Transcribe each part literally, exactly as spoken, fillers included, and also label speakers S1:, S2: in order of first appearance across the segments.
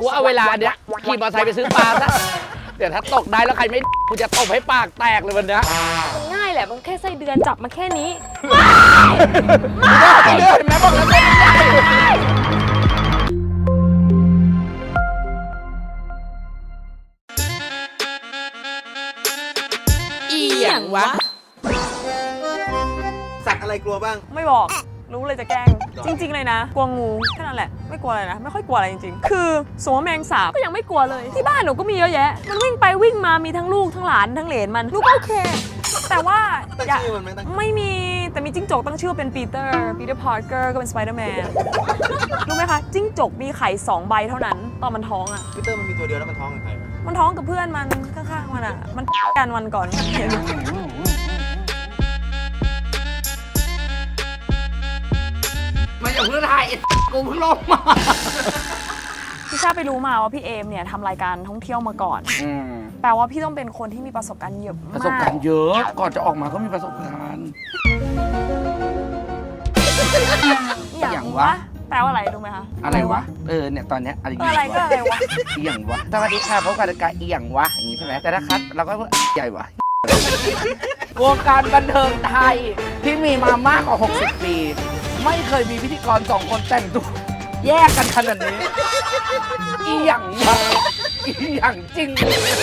S1: กูเอาเวลาเนี้ยขี่มอเตอร์ไซค์ไปซื้อปลาซะเดี๋ยวถ้าตกได้แล้วใครไม่กูจะตบให้ปากแตกเลยวันนี้
S2: มันง่ายแหละมันแค่ไส้เดือนจับมาแค่นี้
S1: ไม่ได้เห็นไหมบอกแล้วไม่ได้อีหยังวะ
S3: สัตว์อะไรกลัวบ้าง
S2: ไม่บอกรู้เลยจะแกล้งจริงๆเลยนะกลัวงูแค่นั้นแหละไม่กลัวอะไรนะไม่ค่อยกลัวอะไรจริงๆคือสมมติแมงสาบก็ยังไม่กลัวเลยที่บ้านหนูก็มีเยอะแยะมันวิ่งไปวิ่งมามีทั้งลูกทั้งหลานทั้งเหลนมันหนูก็โอเคแต่ว่า
S3: ตั้งชื่อมันไหมตั้ง
S2: ไม่มีแต่มีจิ้งจกตั้งชื่อเป็นปีเตอร์ปีเตอร์พาร์เกอร์ก็เป็นสไปเดอร์แมนรู้ไหมคะจิ้งจกมีไข่สองใบเท่านั้นตอนมันท้องอ่ะ
S3: ปีเตอร์มันมีตัวเดียวแล้วมันท้องกับใคร
S2: มันท้องกับเพื่อนมันข้างๆมันอ่ะมันกันวันก่อน
S1: มาจากเพื่อนไทยกูเพิ่งลงมา
S2: พี่ชาไปรู้มาว่าพี่เอมเนี่ยทำรายการท่องเที่ยวมาก่อนแปลว่าพี่ต้องเป็นคนที่มีประสบการณ์เยอะมาก
S1: ประสบการณ์เยอะก่อนจะออกมาก็มีประสบการณ์
S2: อย่างวะแปลว่าอะไรรู้ไหมคะ
S1: อะไรวะเออเนี่ยตอนเนี้ยอะไร
S2: อะไรก็อะไรวะ
S1: อีหยังวะสวัสดีค่ะพบกับรายการอีหยังวะอย่างนี้ใช่ไหมแต่ถ้าคัดเราก็ใหญ่วะวงการบันเทิงไทยที่มีมามากกว่าหกสิบปีไม่เคยมีพิธีกรสองคนแต่งตัวแยกกันขนาดนี้อีหยังวะอีหยังจริง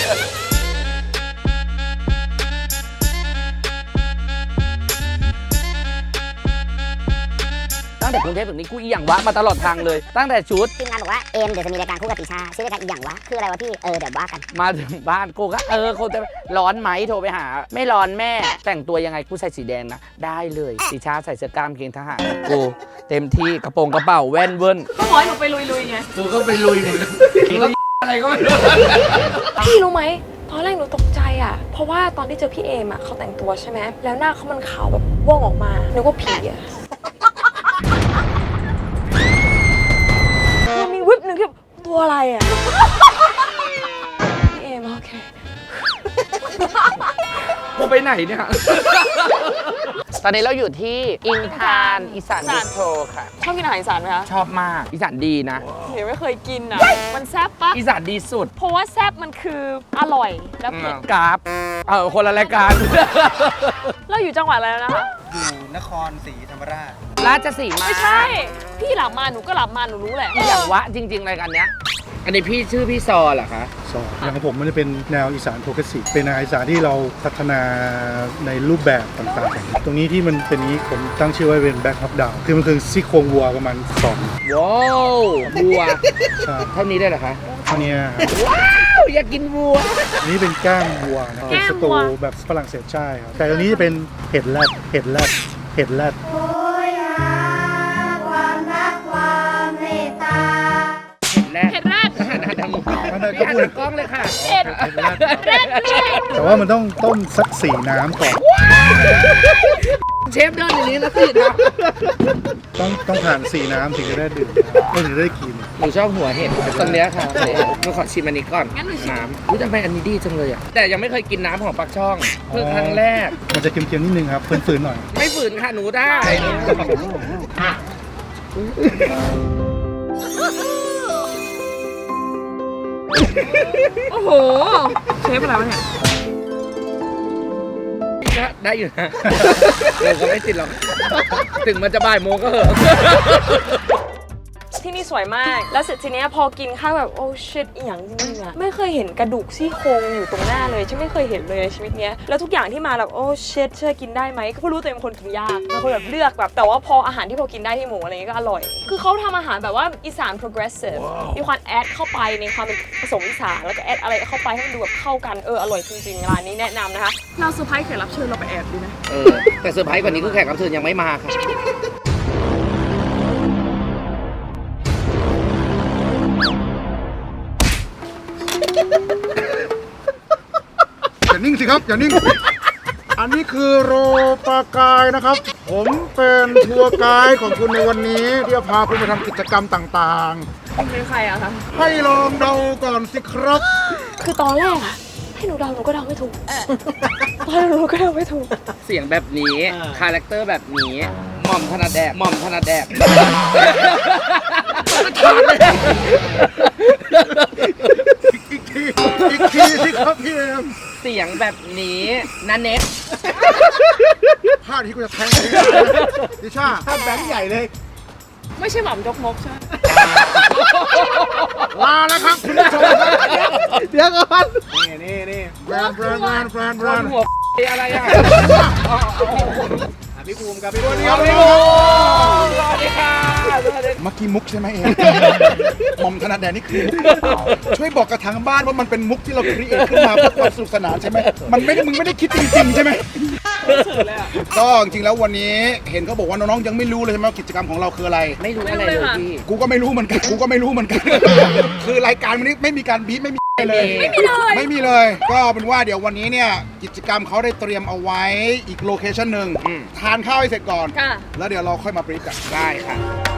S1: ตั้งแต่กรุงเทพถึงนี้กูอีหยังวะมาตลอดทางเลยตั้งแต่ชุด
S4: ทีมงานบอกว่าเอมเดี๋ยวจะมีรายการคู่กับติชาชื่อรายการอีหยังวะคืออะไรวะพี่เออเดี๋ยวว่ากัน
S1: มาถึงบ้านกูก็เออคนจะร้อนไหมโทรไปหาไม่ร้อนแม่แต่งตัวยังไงกูใส่สีแดงนะได้เลยติชาใส่เสื้อกล้ามเกงทหารกูเต็มที่กระโปรงกระเป๋าแว่นเวิ้น
S2: ก็ขอให้หนูไปลุยๆไง
S1: กูก็ไปลุยเลยอะไรก็ไม่รู้
S2: พี่รู้ไหมตอนแรกหนูตกใจอ่ะเพราะว่าตอนที่เจอพี่เอมอ่ะเขาแต่งตัวใช่ไหมแล้วหน้าเขามันขาวแบบว่องออกมานึกว่าผีอ่ะมีวิบหนึ่งที่ตัวอะไรอ่ะพี่เอมโอเค
S1: กูไปไหนเนี่ยตอนนี้เราอยู่ที่อินทานอีสานบิสโตรค่ะ
S2: ชอบกินอาหารอีสานไหมคะ
S1: ชอบมากอีสานดีนะ
S2: เดี๋ยวไม่เคยกินอ่ะมันแซ่บปะ
S1: อีสานดีสุด
S2: เพราะว่าแซ่บมันคืออร่อยแล้วเผ็ด
S1: กราฟเออคนละรายการ
S2: เราอยู่จังหวัดอะไรแล้วนะคะ
S3: อยู่นครศรีธรรมราช
S1: ราชสีมา
S2: ไม่ใช่พี่หลับมาหนูก็หลับมาหนูรู้แหละ
S1: อีหยังวะจริงๆรายการเนี้ยอันนี้พี่ชื่อพี่ซอเหรอคะ
S5: ซออย่างของผมมันจะเป็นแนวอีสานโปรเกรสซีฟเป็นอีสานที่เราพัฒนาในรูปแบบต่างๆตรงนี้ที่มันเป็นนี้ผมตั้งชื่อไว้เป็นแบ็คฮอปดาวคือมันคือซี่โครงวัวประมาณสอง
S1: ว้าววัวเท่านี้ได้เหรอคะ
S5: เท่านี้
S1: ว้าวอยากกินวัว
S5: อันนี้เป็นก้างวัวนะเป็นสตูแบบฝรั่งเศสใช่ครับแต่ตรงนี้จะเป็นเห็ดแรดเห็ดแรดเห็ดแรด
S2: เห็ดแรด
S1: หันหันทางกล้องหันทางกล้องเลยค่ะ
S2: เห็ดแรด
S5: แต่ว่ามันต้องต้มสักสี่น้ำก่อน
S1: เชฟเดินอย่างนี้นะสี่น้
S5: ำต้องต้องผ่านสี่น้ำถึงจะได้ดื่มก็ถึงได้กิน
S1: หนูชอบหัวเห็ดตรงเนี้ยค่ะหนูขอชิมอันนี้ก่อนน้ำรู้จักไหมอันนี้ดีจังเลยอ่ะแต่ยังไม่เคยกินน้ำของปักช่องเพิ่งครั้งแรก
S5: มันจะเค็มๆนิดนึงครับฝืนๆหน่อย
S1: ไม่ฝืนค่ะหนูได้
S2: โอ้โหเชฟอะไรวะเนี่ย
S1: ก็ได้อยู่นะเราก็ไม่ติดหรอกถึงมันจะบ่ายโมงก็เหอะ
S2: ที่นี่สวยมากแล้วเสร็จทีนี้พอกินข้าวแบบโอ้ชิตอีหยังจริงๆอะไม่เคยเห็นกระดูกซี่โครงอยู่ตรงหน้าเลยฉันไม่เคยเห็นเลยในชีวิตเนี้ยแล้วทุกอย่างที่มาแบบโอ้ชิตเชื่อกินได้ไหมก็เพราะรู้ตัวเองเป็นคนกินยากเป็นคนแบบเลือกแบบแต่ว่าพออาหารที่พอกินได้ที่หมูอะไรเงี้ยก็อร่อยคือเขาทำอาหารแบบว่าอีสาน progressive มีความแอดเข้าไปในความเป็นผสมอีสานแล้วก็แอดอะไรเข้าไปให้มันดูแบบเข้ากันเอออร่อยจริงๆร้านนี้แนะนำนะคะเราเซอร์ไพรส์แขกรับเชิญเราไปแอบดูนะ
S1: เออแต่เซอร์ไพรส์กว่านี้คือแขกรับเชิญยังไม่มาค่ะ
S5: อย่านิ่งสิครับอย่านิ่งอันนี้คือโรปากายนะครับผมเป็นทัวร์ไกด์ของคุณในวันนี้ที่จะพาคุณไปทำกิจกรรมต่าง
S2: ๆเป็นใครอะคะ
S5: ให้ลองเดาก่อนสิครับ
S2: คือตอนแรกอะให้หนูเดาหนูก็เดาไม่ถูกตอนหนูก็เดาไม่ถูก
S1: เสียงแบบนี้คาแรคเตอร์แบบนี้หม่อมถนัดแดกหม่อมถนัดแดก
S5: ขาดเลยอีกทีอีกทีสิครับพี่เอ็ม
S1: เสียงแบบนี้นันเน็ต
S5: พลาดที่กูจะแทงเองดิชาถ้าแบงค์ใหญ่เลย
S2: ไม่ใช่หม่ำจกมกใช่ไหม
S5: ลาแล้วครับคุณผู้ชมครับ
S1: เดี๋ยวก่อน
S3: นี่นี่นี่
S5: แบรนด์แบรนด์แบรนด์แบรนด์แบรนด์
S1: หัวอะไรอ่ะ
S3: อ่ะพี่ภูมิครับพี่ภูมิ
S5: เดี๋ยว
S1: ส
S5: เดี๋ยว
S1: วัสดีค่ะสวัสดี
S5: เมื่อกี้มุกใช่ไหมเองหม่อมธนาแดนนี่คือมุกช่วยบอกกับทางบ้านว่ามันเป็นมุกที่เราครีเอทขึ้นมาเพื่อความสนุกสนานใช่ไหมมันไม่ได้มึงไม่ได้คิดจริงๆใช่ไหมก็จริงๆแล้ววันนี้เห็นเขาบอกว่าน้องๆยังไม่รู้เลยใช่ไหมว่ากิจกรรมของเราคืออะไร
S1: ไม่รู้อะไรเลยพี่
S5: กูก็ไม่รู้เหมือนกัน กูก็ไม่รู้เหมือนกัน คือรายการวันนี้ไม่มีการบีบไม่มีเลย
S1: ไม่มี
S5: ไม่มีเลย ก็เป็นว่าเดี๋ยววันนี้เนี่ยกิจกรรมเขาได้เตรียมเอาไว้อีกโลเคชั่นหนึ่งทานข้าวให้เสร็จก่อน
S2: ค่ะ
S5: แล้วเดี๋ยวเราค่อยมาบรีฟกัน
S1: ได้ค่ะ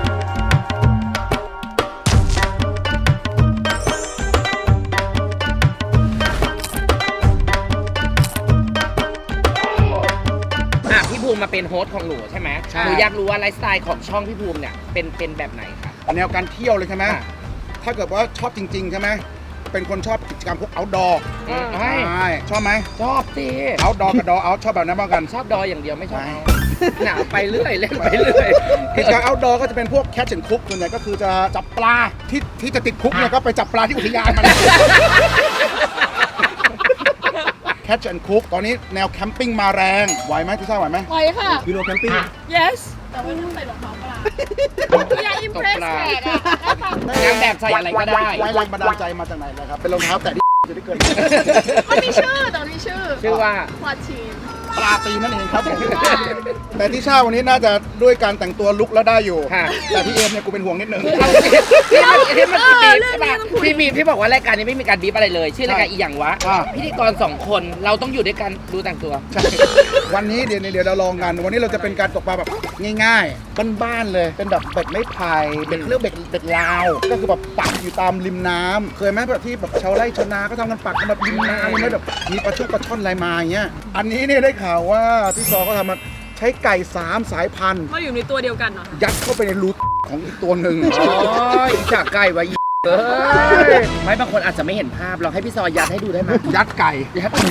S1: อ่ะพี่ภูมิมาเป็นโฮสต์ของหนูใช่ไหมหนูอยากรู้ว่าไลฟ์สไตล์ของช่องพี่ภูมิเนี่ยเป็นเป็นแบบไหนคะ
S5: แนวการเที่ยวเลยใช่ไหม
S1: อ่ะ
S5: ถ้าเกิดว่าชอบจริง ๆ ใช่ไหมเป็นคนชอบกิจกรรมพวก outdoor
S1: อืม
S5: ใช่ชอบไหม
S1: ชอบสิ
S5: outdoor กับ door out ชอบแบบนั้นบ้างกัน
S1: ชอบดอยอย่างเดียวไม่ชอบ
S5: ไม่
S1: หนาวไปเรื่อยเล่นไปเรื่อย
S5: กิจกรรม outdoor ก็จะเป็นพวก catch and cook ส่วนใหญ่ก็คือจะจับปลาที่ที่จะติดคุกเนี่ยก็ไปจับปลาที่อุทยานมา catch and cook ตอนนี้แนวแคมปิ้งมาแรงไหวไหมที่ทราบไหวไหม
S2: ไปค่ะ
S3: ยูโรแคมปิ้ง
S2: yes
S1: อย่าอิมเพรสแขกอะนางแบบใส่อะไรก็ได้
S5: ไว้แรงบันดาลใจมาจากไหนนะครับ เป็นรองเท้าแตะที่จะได้เกิน
S6: มันมีชื่อแต่มันมีชื่อ
S1: ชื่อว่า
S6: พลาทีน
S5: ปลาตีนนั่นเองครับ แต่ที่ชาวันนี้น่าจะด้วยการแต่งตัวลุกแล้วได้อยู่
S1: ค่ะ
S5: แต่พี่เอมเนี่ยกูเป็นห่วงนิดนึง
S1: เอาสิที่มันที่มันบีบใช่ปะพี่บีบพี่บอกว่ารายการนี้ไม่มีการบีบอะไรเลย ชื่อรายการอีหยังวะ
S5: อ่า
S1: พิธีกรสองคนเราต้องอยู่ด้วยกันดูแต่งตัว
S5: ใช่วันนี้เดี๋ยวเดี๋ยวเราลองกัน วันนี้เราจะเป็นการตกปลาแบบง่ายๆ บ้านๆเลย เป็นแบบเบ็ดไม้ไผ่เบ็ดเรื่องเบ็ดเบ็ดลาว ก็คือแบบปักอยู่ตามริมน้ำเคยไหมแบบที่แบบชาวไร่ชาวนาก็ทำกันปักกันแบบริมน้ำเลยแบบมีปลาชุกปลาช่อนอะไรมาอย่างเงี้ย อันนี้เนี่ยได้ข่าวว่าพี่ซอก็ทำมาใช้ไก่สามสายพันธุ์
S2: มาอยู่ในตัวเดียวกันเหรอ
S5: ยัดเข้าไปในรูของอีกตัวหนึ่ง
S1: อ๋ออีจากไก่ไว้เอ้ยไม่บางคนอาจจะไม่เห็นภาพเราให้พี่ซอยยัดให้ดูได้ไหม
S5: ยัดไก่
S1: ยัดหมู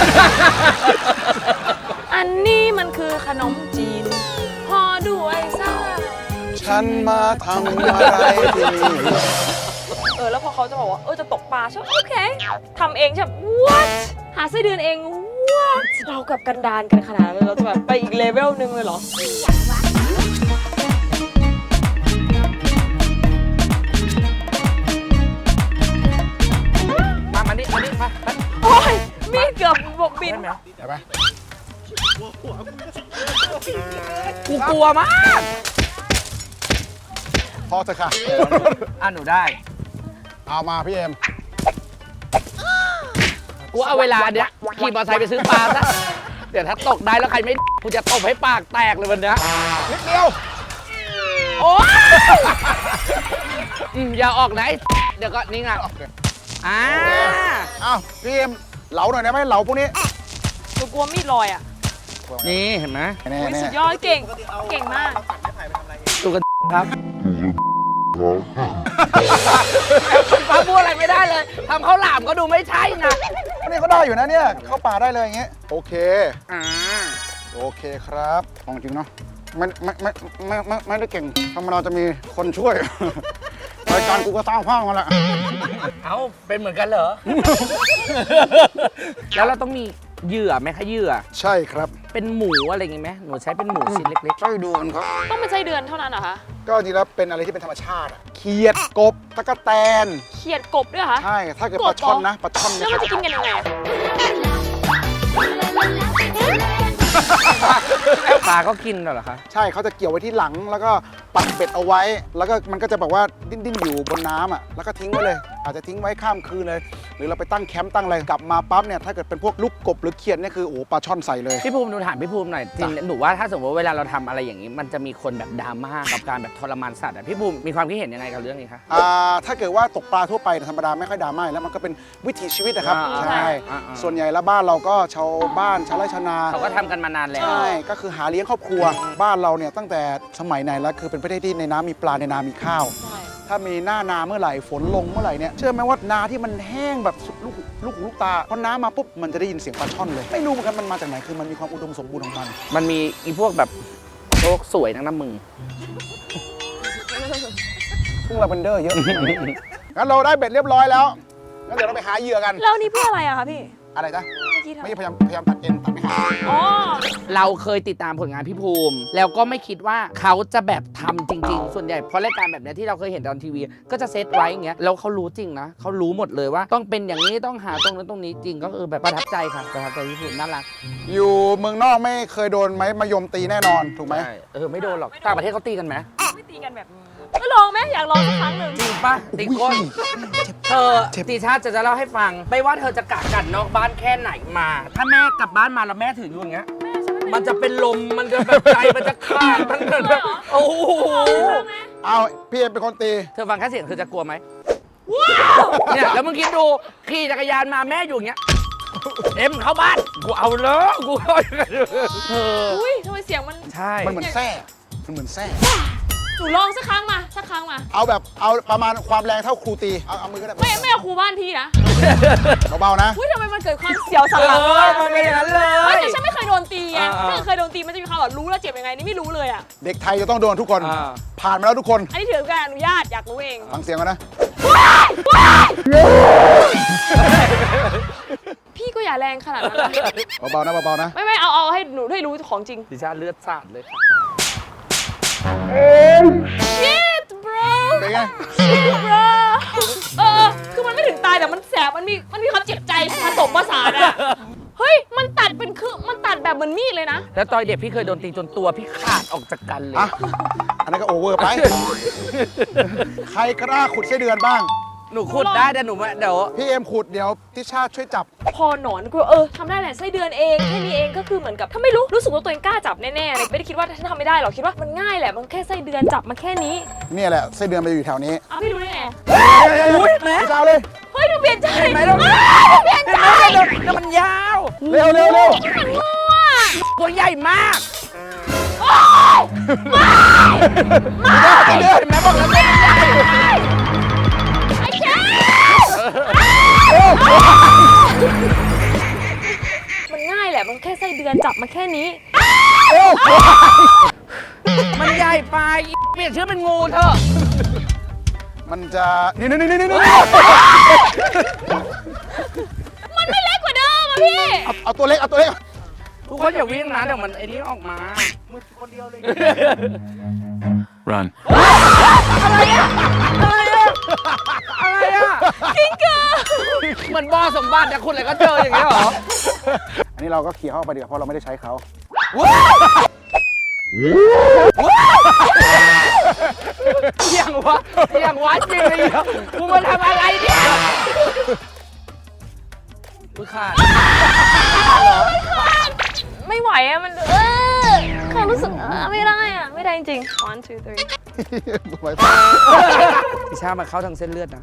S2: อันนี้มันคือขนมจีนห่อด้วยไส้
S5: ฉันมาทำอะไรที่นี่
S2: เออแล้วพอเขาจะบอกว่าเออจะตกปลาใช่ไหมโอเคทำเองใช่ไหม what หาไส้เดือนเอง what เรากับกันดานกันขนาดนั้นเลยเราจะแบบไปอีกเลเวลหนึ่งเลยเหรอ
S1: มามานี่มานี่มามา
S2: โอ้ยมีดเกือบบกบิน
S1: ได้ไหม
S5: เห็นไหม
S1: กูกลัวมาก
S5: พอเถอะค่ะ
S1: อ่ะหนูได้
S5: เอามาพี่เอ็ม
S1: กูเอาเวลาเนี้ยขี่มอเตอร์ไซค์ไปซื้อปลาซะเดี๋ยวถ้าตกได้แล้วใครไม่กูจะตบให้ปากแตกเลยวันเนี้ย
S5: นิดเดียว
S1: โอ้ยอืมอย่าออกนะไอ้เดี๋ยวก็นี่ไงอ่า
S5: อ้าวพี่เอ็มเหลาหน่อยได้ไหมเหลาพวกนี้
S2: หนูกลัวมีดลอยอ่ะ
S1: นี่เห็นไหม
S5: แน่
S2: อุ๊ย
S5: แน่
S2: สุดยอดเก่ง เก่งมาก
S1: ดูกันครับป้าพูดอะไรไม่ได้เลยทำข้าวหลามก็ดูไม่ใช่นะ
S5: นี่เขาได้อยู่นะเนี่ยเข้าป่าได้เลยอย่างเงี้ยโอเค
S1: อ่า
S5: โอเคครับของจริงเนาะไม่ไม่ไม่ไม่ไม่ไม่ได้เก่งธรรมดาจะมีคนช่วย รายการกูก็สร้างภาพมาแหละ
S1: เอ้าเป็นเหมือนกันเหรอ แล้วเราต้องมีเหยื่อไหมคะเหยื่อ
S5: ใช่ครับ
S1: เป็นหมูอะไรอย่างงี้ไหมหนูใช้เป็นหมูชิ้นเล็ก
S5: ช่วยดูกันครับ
S2: ต้องเป็นไส้เดือนเท่านั้นเหรอคะ
S5: ก็จริงแล้วเป็นอะไรที่เป็นธรรมชาติอะเขียดกบตะกแตน
S2: เขียดกบด้วยเหรอคะ
S5: ใช่ถ้าเกิดปลาช่อนนะปลาช่อน
S2: แล้ว
S5: เนี่ย
S2: มันจะกินกันยังไงอะ
S1: ๆปลาก็กินเหรอคะ
S5: ใช่เขาจะเกี่ยวไว้ที่หลังแล้วก็ปักเบ็ดเอาไว้ แล้วก็มันก็จะแบบว่าดิ้นดิ้นอยู่บนน้ำอ่ะแล้วก็ทิ้งไว้เลย อาจจะทิ้งไว้ข้ามคืนเลย หรือเราไปตั้งแคมป์ตั้งอะไรกลับมาปั๊บเนี่ยถ้าเกิดเป็นพวกลูกกบหรือเขียดเนี่ยคือโอ้ปลาช่อนใส่เลย
S1: พี่ภูมิหนูถามพี่ภูมิหน่อยจริงหนูว่าถ้าสมมติว่าเวลาเราทำอะไรอย่างนี้ มันจะมีคนแบบดราม่ากับการแบบทรมานสัตว์อะพี่ภูมิมีความคิดเห็นยังไงกับเรื่องนี้คะ
S5: อ่าถ้าเกิดว่าตกปลาทั่วไปธรรมดาไม่ค่อยดราม่าแล้วมันก็เป็นวิถีชีวิตนะครับ
S1: อ่า
S5: ใช่
S1: อ่าอ่า
S5: ส่วนใหญ่แล้วบ้านเราก็ชาวบ้านชาวไร่ชาวนา
S1: เขาก็ทำกันมานานแล้ว
S5: ใช่ก็คือหาเลี้ยงครอบครัวบ้านเราเนี่ยตั้งแต่สมัยไหนแล้วคือเป็นประเทศที่ในน้ำมีปลาในนามีข้าว
S2: ใช่
S5: ถ้ามีหน้านาเมื่อไหร่ฝนลงเมื่อไหร่เนี่ยเชื่อไหมว่านาที่มันแห้งแบบสุดลูกลูกหูลูกตาพอน้ำมาปุ๊บมันจะได้ยินเสียงปลาช่อนเลยไม่รู้เหมือนกันมันมาจากไหนคือมันมีความอุดมสมบูรณ์ของมัน
S1: มันมีอีพวกแบบโลกสวยนักนะมึง
S5: พึ่งลาเวนเดอร์เยอะ งั้นเราได้เบ็ดเรียบร้อยแล้วงั้นเดี๋ยวเราไปหาเหยื่อกัน
S2: แล้วนี่เพื่ออะไรอะคะพี่
S5: อะไรจ๊ะ
S2: เมื่อกี้ทำ
S5: ไม่ใช่พยายามพยายามตัดเอ็นตัดไม่หา
S2: อ๋อ
S1: เราเคยติดตามผลงานพี่ภูมิ แล้วก็ไม่คิดว่าเขาจะแบบทำจริง ๆ ส่วนใหญ่เพราะรายการแบบเนี้ยที่เราเคยเห็นตอนทีวี ก็จะเซตไว้อย่างเงี้ยแล้วเขารู้จริงนะเขารู้หมดเลยว่าต้องเป็นอย่างนี้ต้องหาตรงนั้นตรงนี้จริงก็คือแบบประทับใจค่ะประทับใจพี่ภูมิน่ารัก
S5: อยู่เมืองนอกไม่เคยโดนไม้มายมตีแน่นอนถูกไหม
S1: ใช่เออไม่โดนหรอกต่างประเทศเขาตีกันไหม
S2: ไม่ตีกันแบบนี้ก็ลองไหมอยากลองสักครั้งหนึ่ง
S1: จริงปะตีก้นเธอตีชาติจะจะเล่าให้ฟัง ไม่ว่าเธอจะกะกันนอกบ้านแค่ไหนมา ถ้าแม่กลับบ้านมาแล้วแม่ถืออยู่อย่างเงี้ย มันจะเป็นลมมันจะแบบใจมันจะขาดมันแบบโอ้โห
S5: เอาพี่เอ็มเป็นคนตี
S1: เธอฟังแค่เสียงเธอจะกลัวไหมเนี่ยแล้วมึงคิดดูขี่จักรยานมาแม่อยู่อย่างเงี้ยเอ็มเข้าบ้านกูเอาเลยกูเอาเธอ
S2: อุ้ยทำไมเสียงมัน
S1: ใช่
S5: มันเหมือนแส้มันเหมือนแส้
S2: หนูลองสักครั้งมาสักครั้งมา
S5: เอาแบบเอาประมาณความแรงเท่าครูตีเอาเอามือก็ได้
S2: ไม่ไม่เอาครูบ้านพี่นะ
S5: เบาๆนะ
S2: อุ้ยทำไมมันเกิดความเสียวสัน
S1: เอ
S2: หลัง
S1: อมันเป็นอย่างนั้นเล
S2: เฮ้ย
S1: ย
S2: แต่ฉันไม่เคยโดนตีไง
S1: อ่าๆ
S2: ถ้าเคยโดนตีมันจะมีความแบบรู้แล้วเจ็บยังไงนี่ไม่รู้เลยอ่ะ
S5: เด็กไทยจะต้องโดนทุกคน
S1: อ่า
S5: ผ่านมาแล้วทุกคน
S2: อันนี้ถือการอนุญาตอยากรู้เอง
S5: ฟังเสียงกันนะ
S2: พี่ก็อย่าแรงขนาดนั้นนะ
S5: เบาๆนะเบาๆนะ
S2: ไม่ไม่เอาเอาให้หนูได้รู้ของจริง
S1: ดิชาเลือดสาดเลย
S2: shit bro
S5: เป็นไง
S2: shit bro เออคือมันไม่ถึงตายแต่มันแสบมันมีมันมีความเจ็บใจผสมผสานอะเฮ้ยมันตัดเป็นคือมันตัดแบบเหมือนมีดเลยนะ
S1: แล้วตอนเด็กพี่เคยโดนตีจนตัวพี่ขาดออกจากกันเลย
S5: อ่ะ อันนั้นก็โอเวอร์ไป ใครกล้าขุดไส้เดือนบ้าง
S1: หนูขุดได้แต่หนูไม่เดี๋ยว
S5: พี่เอ็มขุดเดี๋ยวทิชาช่วยจับ
S2: พอหนอนกูเออทำได้แหละไส้เดือนเองแค่นี้เองก็คือเหมือนกับถ้าไม่รู้รู้สึกว่าตัวเองกล้าจับแน่ๆเลยไม่ได้คิดว่าฉันทำไม่ได้หรอกคิดว่ามันง่ายแหละมันแค่ไส้เดือนจับมาแค่นี้
S5: เนี่ยแหละไส้เดือนมันจะอยู่แถวนี้
S2: อ้าวพี่รู้ได้ไง
S1: อุ้ยแม่
S5: ทิชาเลย
S2: เฮ้ยหนูเปลี่ยนใจ
S1: เห็นไหมเรา
S2: อ้าวเปลี่ยนใจ
S1: แล้วมันยาว
S5: เร็วเร็วเร็ว
S2: มันงูอ่ะ
S1: ตัวใหญ่มาก
S2: โอ๊ย
S1: เห็นไหมบอกแล้วตัวใหญ่
S2: ไอ้แค่มันง่ายแหละมันแค่ไส้เดือนจับมาแค่นี้
S1: มันใหญ่ไปเปลี่ยนชื่อเป็นงูเถอะ
S5: มันจะนี่นี่นี่นี่นี่
S2: มันไม่เล็กกว่าเดิมอ่ะพี่
S5: เอาเอาตัวเล็กเอาตัวเล็ก
S1: ทุกคนอย่าวิ่งนะเดี๋ยวมันไอ้นี้ออกมา
S7: Run.
S1: อะไรอะอะไรอะ
S2: กิ้งกือ
S1: เหมือนบ่อสมบัติเนี่ยคุณอะไรก็เจออย่างเงี้ยเหรอ
S5: อันนี้เราก็ขี่เข้าไปดีกว่าเพราะเราไม่ได้ใช้เขา
S1: เสียงวะเสียงวะจริงเลยกูมาทำอะไรเนี่ยกูขาด
S2: ไม่ไหวอ่ะมันเออความรู้สึกเออไม่ได้อ่ะไม่ได้จริงๆ one two three
S5: ไว้
S1: พิชามันเข้าทางเส้นเลือดนะ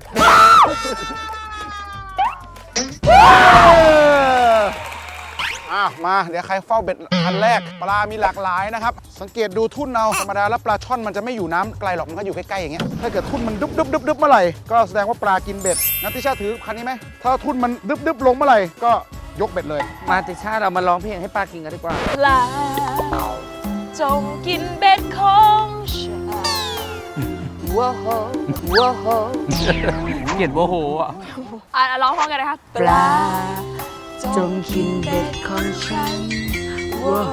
S5: อ่ะมาเดี๋ยวใครเฝ้าเบ็ดคันแรกปลามีหลากหลายนะครับสังเกตดูทุ่นเอาธรรมดาแล้วปลาช่อนมันจะไม่อยู่น้ำไกลหรอกมันก็อยู่ใกล้ๆอย่างเงี้ยถ้าเกิดทุ่นมันดุบดุบดุบดุบเมื่อไหร่ก็แสดงว่าปลากินเบ็ดงั้นติชาถือคันนี้ไหมถ้าทุ่นมันดุบดุบลงเมื่อไหร่ก็ยกเบ็ดเลย
S1: มาติชาเรามาร้องเพลงให้ปลากินกันดีกว่า
S2: ปลาจงกินเบ็ดของฉันว้าวว้าว
S1: เกลียดโมโหอ่ะ
S2: อ่ะร้องพร้อมกันนะคะปลาจงกินเบ็ดของฉันว้าว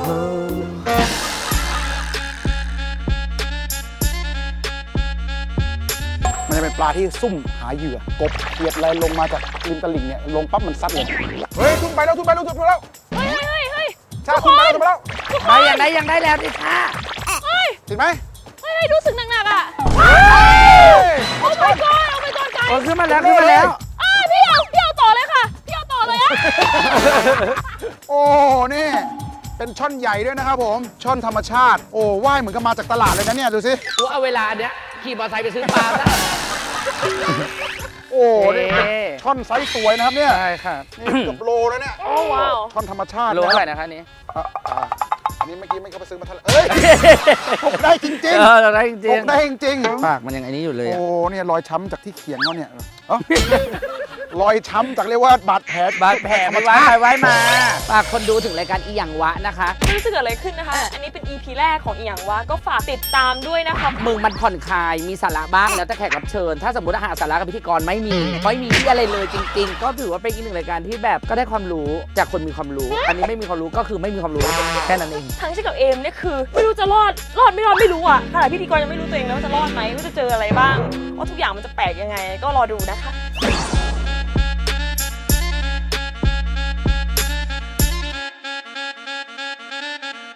S5: มันจะเป็นปลาที่ซุ่มหาเหยื่อกบเขียดอะไรลงมาจากริมตลิ่งเนี่ยลงปั๊บมันซัดเลยเฮ้ยทุ่นไปแล้วทุ่นไปแล้วทุ่นไปแล้ว
S2: เฮ้ยเฮ้ยเฮ้ย
S5: ชาทุ่นไปแล้วทุ่นไปแล้ว
S1: ได้ยังได้ยังได้แล้วติชา
S2: เฮ้ย
S5: ติดไหม
S2: เฮ้ยรู้สึกหนักๆอ่ะ
S5: เฮ้ย
S2: โอ้ my god โอ้ my god ไก
S1: โอ้ขึ้นมาแล้วขึ้นมาแล้ว
S2: อ่าพี่เอาพี่เอาต่อเลยค่ะพี่เอาต่อเลยอ่ะ
S5: โอ้นี่เป็นช่อนใหญ่ด้วยนะครับผมช่อนธรรมชาติโอ้ว่ายเหมือนกับมาจากตลาดเลยนะเนี่ยดูสิ
S1: กูเอาเวลาเนี้ยขี่มอเตอร์ไซค์ไปซื้อปลาซะ
S5: โอ้นี่
S1: เอ๊ะ
S5: เป็นช่อนไซส์สวยนะครับเนี่ย
S1: ใช่ค่ะ
S5: นี่เกือบโลแล้วเนี่ย
S2: โอ้ว้าว
S5: ช่อนธรรมชาติ
S1: โลเท่าไหร่
S5: นะ
S1: นะคะนี้
S5: อ่ะอ่ะนี่เมื่อกี้ไม่เข้าไปซื้อมาเท่าไหร่เอ้ยตกได้จริง
S1: เออเราได้จ
S5: ๆต
S1: ริง
S5: กได้จริง
S1: ๆปากมันยังไอ้นี้อยู่เลย
S5: ๆ
S1: อะ
S5: โอ้เนี่ยรอยช้ำจากที่เขียงเขาเนี่ยเอ้ารอยช้ำจากเรียกว่าบาดแผล
S1: บาดแผลไปไว้ไปไว้มาฝากคนดูถึงรายการอีหยังวะนะคะ
S2: ไม่รู้จะเกิดอะไรขึ้นนะคะ อันนี้เป็น อี พี แรกของอีหยังวะก็ฝากติดตามด้วยนะคะ
S1: มึงมันผ่อนคลายมีสาระบ้างแล้วแต่แขกรับเชิญ ถ้าสมมติอาหารสาระกับพิธีกรไม่มีไม่มีที่อะไรเลยจริง ๆ ก็ถือว่าเป็นอีกหนึ่งรายการที่แบบก็ได้ความรู้จากคนมีความรู้ อันนี้ไม่มีความรู้ก็คือไม่มีความรู้แค่นั้นเอง
S2: ทั้งชิคกับเอมเนี่ยคือไม่รู้จะรอดรอดไม่รอดไม่รู้อ่ะขนาดพิธีกรยังไม่รู้ตัวเองแล้วว่าจะรอดไหมว่าจะเจออะไรบ้างว่าทุกอย่างมันจะแปลกยังไง ก็รอดูนะคะ